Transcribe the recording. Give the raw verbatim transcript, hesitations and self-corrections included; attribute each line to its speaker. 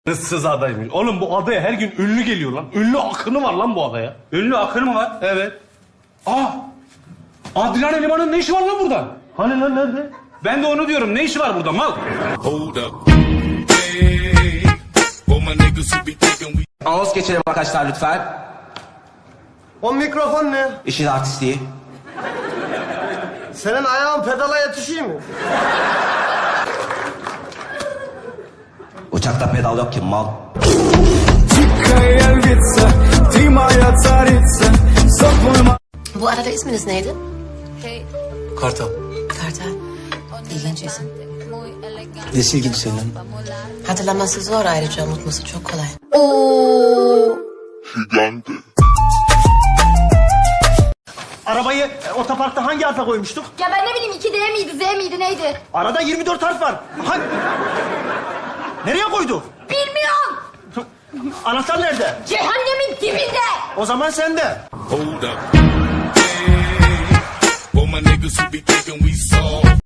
Speaker 1: Issız adaymış. Oğlum bu adaya her gün ünlü geliyor lan. Ünlü akını var lan bu adaya.
Speaker 2: Ünlü akını mı var?
Speaker 1: Evet.
Speaker 2: Aa! Adrian Eleman'ın ne işi var lan burada?
Speaker 1: Hani lan nerede?
Speaker 2: Ben de onu diyorum. Ne işi var burada mal?
Speaker 3: Hold up. Hey, all my niggas who be thinking we
Speaker 4: Anons geçelim arkadaşlar lütfen.
Speaker 5: O mikrofon ne?
Speaker 4: İşin artistliği.
Speaker 5: Senin ayağın pedala yetişiyor mu?
Speaker 4: Uçakta pedal yok ki mal.
Speaker 6: Bu arada isminiz neydi?
Speaker 7: Kartal.
Speaker 6: Kartal. İlginç isim.
Speaker 7: Nesi ilginç senin?
Speaker 6: Hatırlaması zor, ayrıca unutması çok kolay.
Speaker 5: Arabayı e, otoparkta hangi harfe koymuştuk?
Speaker 8: Ya ben ne bileyim iki D miydi, Z miydi, neydi?
Speaker 5: Arada yirmi dört harf var. Hangi... Nereye koyduk?
Speaker 8: Bilmiyorum.
Speaker 5: Anahtar nerede?
Speaker 8: Cehennemin dibinde.
Speaker 5: O zaman sende.
Speaker 3: hold up. Hey, all my niggas who be